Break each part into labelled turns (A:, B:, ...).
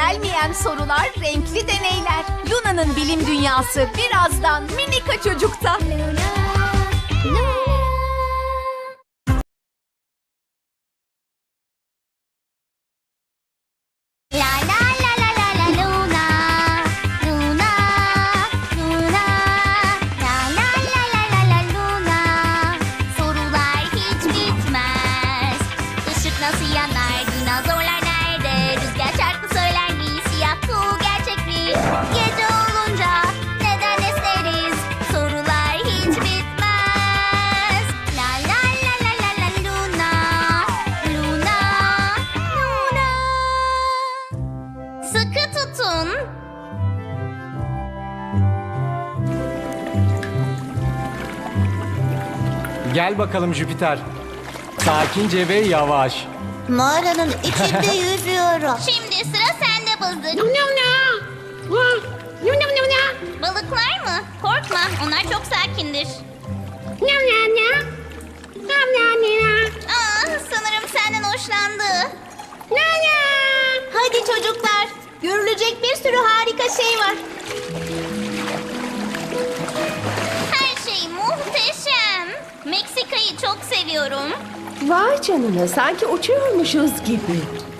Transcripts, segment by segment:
A: gelmeyen sorular, renkli deneyler. Luna'nın bilim dünyası birazdan Minika Çocuk'ta.
B: La la la la la la Luna, Luna, Luna. La la la la la la Luna. Sorular hiç bitmez. Işık nasıl yanar? Dinozorlar nerede? Rüzgar şarkı söyler mi? Siyah kuğu gerçek mi? Gece olunca neden esneriz? Sorular hiç bitmez. La la la la la la Luna, Luna, Luna. Sıkı tutun.
C: Gel bakalım Jüpiter. Sakince ve yavaş.
B: Mağaranın içinde yüzüyorum. Şimdi sıra sende Bızdık. Balıklar mı? Korkma, onlar çok sakindir. Sanırım senden hoşlandı. Hadi çocuklar, görülecek bir sürü harika şey var. Her şey muhteşem. Meksika'yı çok seviyorum.
D: Vay canına, sanki uçuyormuşuz gibi.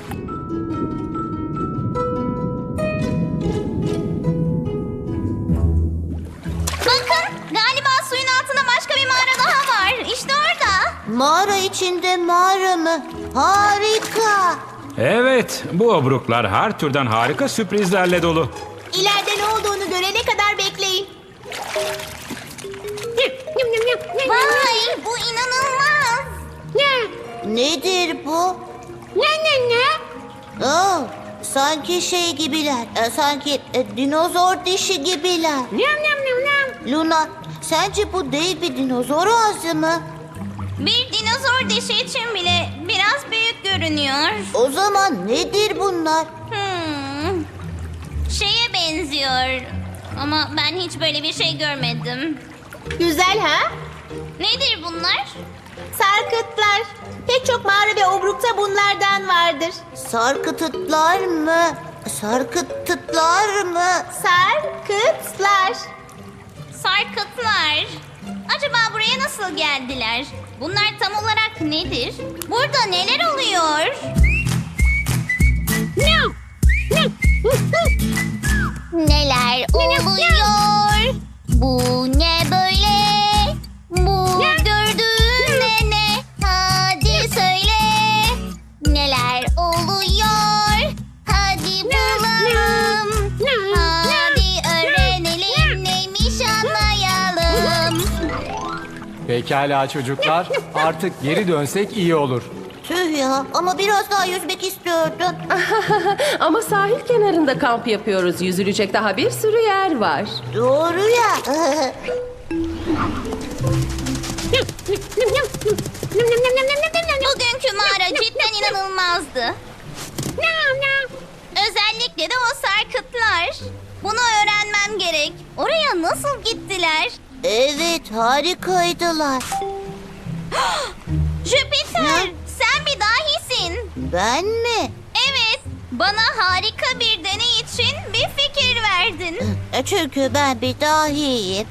B: Bakın, galiba suyun altında başka bir mağara daha var. İşte orada. Mağara içinde mağara mı? Harika.
E: Evet, bu obruklar her türden harika sürprizlerle dolu.
B: İleride ne olduğunu görene kadar bekleyin. Vay, bu inanılmaz. Nedir bu? Oh, sanki şey gibiler. Sanki dinozor dişi gibiler. Luna, sence bu dev bir dinozor ağzı mı? Bir dinozor dişi için bile biraz büyük görünüyor. O zaman nedir bunlar? Şeye benziyor. Ama ben hiç böyle bir şey görmedim.
F: Güzel ha?
B: Nedir bunlar?
F: Sarkıtlar. Pek çok mağara ve obrukta bunlardan vardır.
B: Sarkıtıtlar mı? Sarkıtıtlar mı?
F: Sarkıtlar.
B: Sarkıtlar. Acaba buraya nasıl geldiler? Bunlar tam olarak nedir? Burada neler oluyor? Neler oluyor? Bu ne böyle? Bu gördüğün ne? Hadi söyle. Neler oluyor? Hadi bulalım. Hadi öğrenelim, neymiş anlayalım.
C: Pekala çocuklar. Artık geri dönsek iyi olur.
B: Tüh ya, ama biraz daha yüzmek istiyordum.
D: Ama sahil kenarında kamp yapıyoruz. Yüzülecek daha bir sürü yer var.
B: Doğru ya. Bugünkü mağara cidden inanılmazdı. Özellikle de o sarkıtlar. Bunu öğrenmem gerek. Oraya nasıl gittiler? Evet, harikaydılar. Jüpiter, sen bir dahisin. Ben mi? Evet, bana harika bir deney için bir fikir verdin. Çünkü ben bir dahiyim.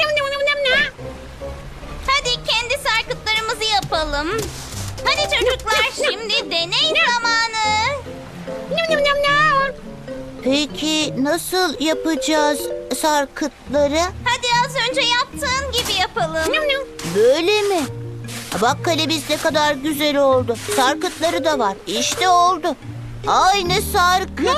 B: Hadi kendi sarkıtlarımızı yapalım. Hadi çocuklar, şimdi deney zamanı. Peki nasıl yapacağız sarkıtları? Hadi az önce yaptığın gibi yapalım. Böyle mi? Bak kalemiz ne kadar güzel oldu. Sarkıtları da var. İşte oldu. Aynı sarkıt.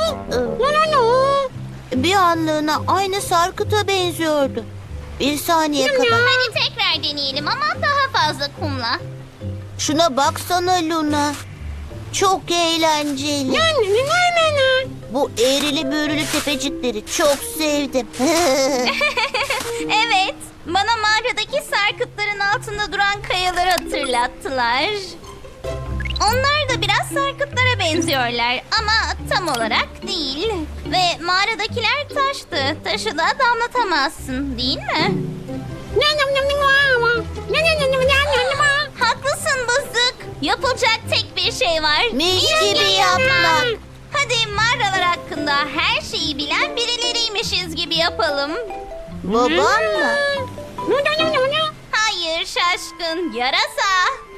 B: Bir anlığına aynı sarkıta benziyordu. Bir saniye kadar. Hadi tekrar deneyelim ama daha fazla kumla. Şuna baksana Luna. Çok eğlenceli. Bu eğrili büğrülü tepecikleri çok sevdim. Evet, bana mağaradaki sarkıtların altında duran kayaları hatırlattılar. Onlar da biraz sarkıtlara benziyorlar ama tam olarak değil. Ve mağaradakiler taştı. Taşı da damlatamazsın, değil mi? Haklısın Bızdık. Yapılacak tek bir şey var. Mis gibi yapmak. Hadi Hadi mağaralar hakkında her şeyi bilen birileriymişiz gibi yapalım.
F: Babam mı?
B: Hayır şaşkın, yarasa.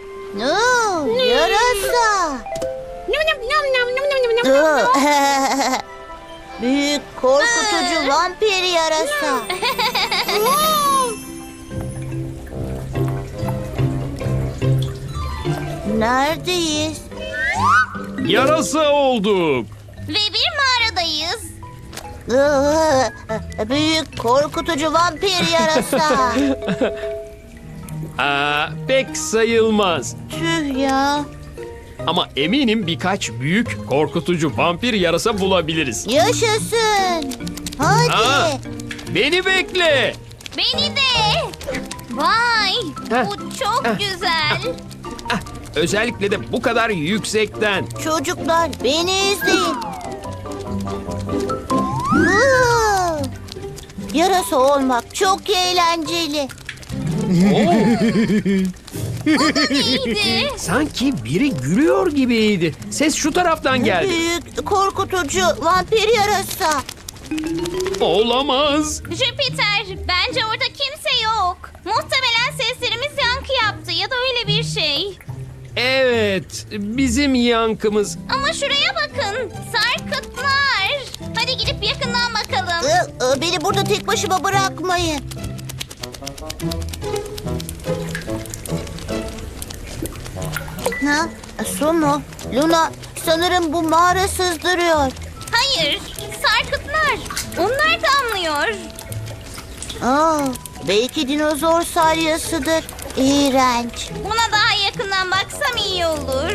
F: Yarasa. Büyük korkutucu vampir yarasa. Neredeyiz?
G: Yarasa olduk.
B: Ve bir mağaradayız.
F: Büyük korkutucu vampir yarasa.
G: Pek sayılmaz.
F: Tüh ya.
G: Ama eminim birkaç büyük korkutucu vampir yarasa bulabiliriz.
F: Yaşasın. Hadi.
G: Aa, beni bekle.
B: Beni de. Vay, bu çok güzel.
G: Özellikle de bu kadar yüksekten.
F: Çocuklar beni izleyin. Huu! Yarasa olmak çok eğlenceli.
B: İyiydi.
G: Sanki biri gülüyor gibiydi. Ses şu taraftan geldi.
F: Büyük korkutucu vampir yarasa.
G: Olamaz.
B: Jüpiter, bence orada kimse yok. Muhtemelen seslerimiz yankı yaptı ya da öyle bir şey.
G: Evet, bizim yankımız.
B: Ama şuraya bakın, sarkıtlar. Hadi gidip yakından bakalım.
F: Beni burada tek başıma bırakmayın. Ha? Su mu? Luna, sanırım bu mağara sızdırıyor.
B: Hayır, sarkıtlar. Onlar damlıyor.
F: Belki dinozor salyasıdır. İğrenç.
B: Buna daha yakından baksam iyi olur.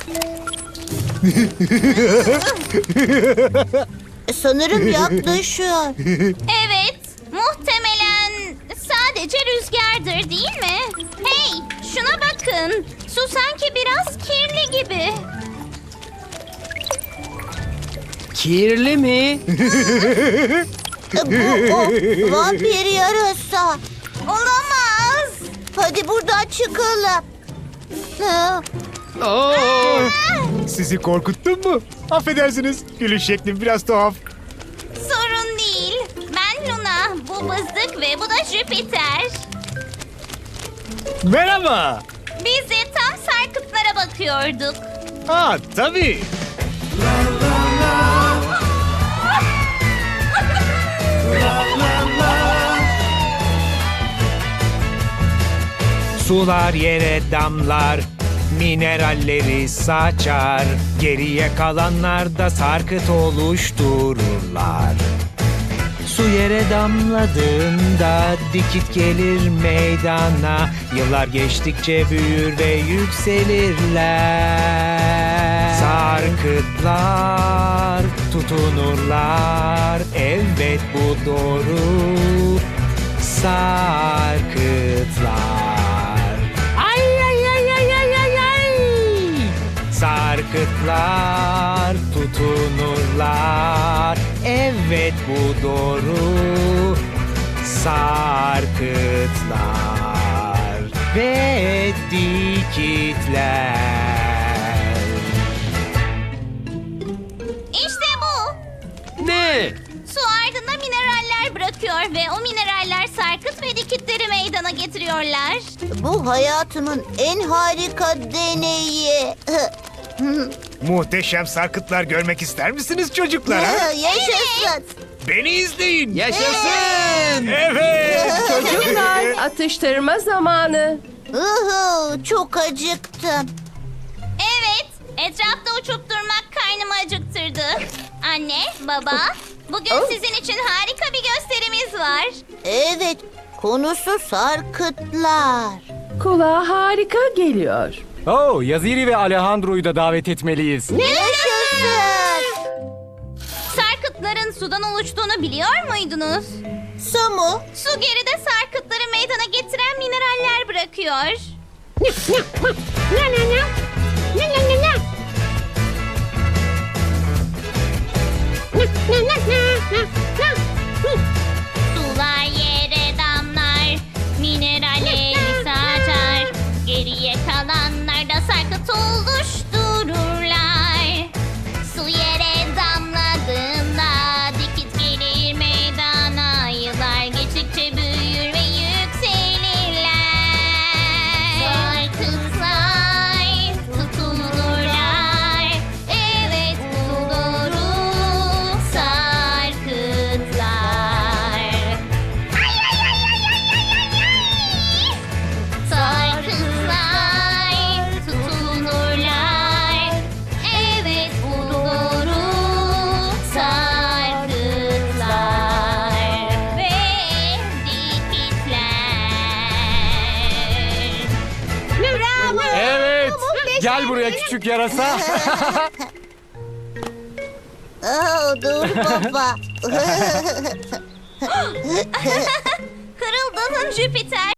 F: Sanırım yaklaşıyor.
B: Evet, muhtemelen sadece rüzgardır değil mi? Hey, şuna bakın. Su sanki biraz kirli gibi.
G: Kirli mi?
F: Bu o vampir yarasa.
B: Olamaz.
F: Hadi buradan çıkalım. Ha,
G: Aa,
H: Sizi korkuttum mu? Affedersiniz. Gülüş şeklim biraz tuhaf.
B: Sorun değil. Ben Luna, bu Bızdık ve bu da Jüpiter.
H: Merhaba.
B: Biz de tam sarkıtlara bakıyorduk.
H: Tabii.
I: Sular yere damlar, mineralleri saçar. Geriye kalanlar da sarkıt oluştururlar. Su yere damladığında dikit gelir meydana. Yıllar geçtikçe büyür ve yükselirler. Sarkıtlar tutunurlar. Evet bu doğru. Sarkıtlar. Ay ay ay ay ay ay ay. Sarkıtlar tutunurlar. Evet bu doğru. Sarkıtlar ve dikitler.
B: İşte bu.
G: ne?
B: Su ardında mineraller bırakıyor ve o mineraller sarkıt ve dikitleri meydana getiriyorlar.
F: bu hayatımın en harika deneyi.
H: Muhteşem sarkıtlar görmek ister misiniz çocuklar? Ha?
F: Yaşasın.
H: Beni izleyin.
G: Yaşasın.
H: Evet.
D: Çocuklar, atıştırma zamanı.
F: Çok acıktım.
B: Evet, etrafta uçup durmak karnımı acıktırdı. Anne, baba, bugün sizin için harika bir gösterimiz var.
F: Evet, konusu sarkıtlar.
D: Kulağa harika geliyor.
C: Yaziri ve Alejandro'yu da davet etmeliyiz.
F: Yaşasın.
B: Sarkıtların sudan oluştuğunu biliyor muydunuz?
F: Su mu?
B: Su geride sarkıtları meydana getiren mineraller bırakıyor. Sular yere damlar, mineralleri saçar. Geriye kalanlar da sarkıt oluştururlar. Su yere damlar.
C: Gel buraya küçük yarasa.
F: Dur baba.
B: Kırıldın Jüpiter.